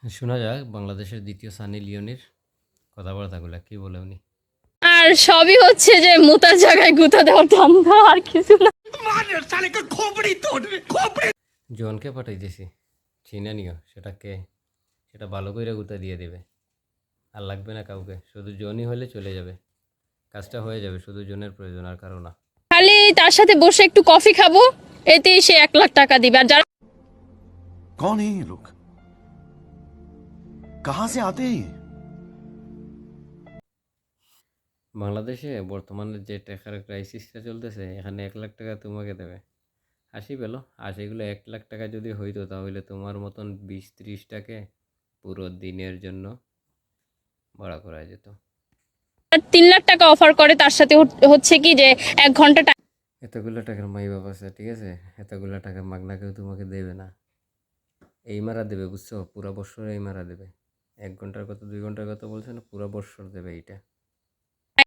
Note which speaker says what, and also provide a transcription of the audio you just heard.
Speaker 1: শোনা যাক বাংলাদেশের দ্বিতীয় সানি লিওনির কথাবার্তাগুলো কি বলে উনি।
Speaker 2: আর সবই হচ্ছে যে মোতার জায়গায় গুঁতা দেওয়ার ধান্দা, আর কিছু না।
Speaker 1: জনকে পাঠাইতেছি, চিনে নিও সেটাকে, সেটা ভালো করে গুতা দিয়ে দেবে। আর লাগবে না কাউকে, শুধু জনই হলে চলে যাবে, কাজটা হয়ে যাবে। শুধু জনের প্রয়োজন, আর কারো না।
Speaker 2: খালি তার সাথে বসে একটু কফি খাবো, এতেই সে 1 লাখ টাকা দিবে। আর যারা
Speaker 3: कौन है ये लोग? कहां से आते हैं ये?
Speaker 1: বাংলাদেশে বর্তমানে যে টাকার ক্রাইসিসটা চলতেছে, এখানে 1 লাখ টাকা তোমাকে দেবে। হাসি পেলো। আর সেগুলো 1 লাখ টাকা যদি হইতো, তাহলে তোমার মতন 20-30টাকে পুরো দিনের জন্য ভাড়া করা যেত।
Speaker 2: 3 লাখ টাকা অফার করে, তার সাথে হচ্ছে কি যে 1 ঘন্টা
Speaker 1: এতগুলো টাকার মাই বাপ আছে, ঠিক আছে? এতগুলো টাকা মাগনা কেউ তোমাকে দেবে না। এই মারা দেবে, বুঝছো? পুরা বৎসর এই মারা দেবে। 1 ঘন্টার কত, 2 ঘন্টার কত বলছে না, পুরা বৎসর দেবে এইটা।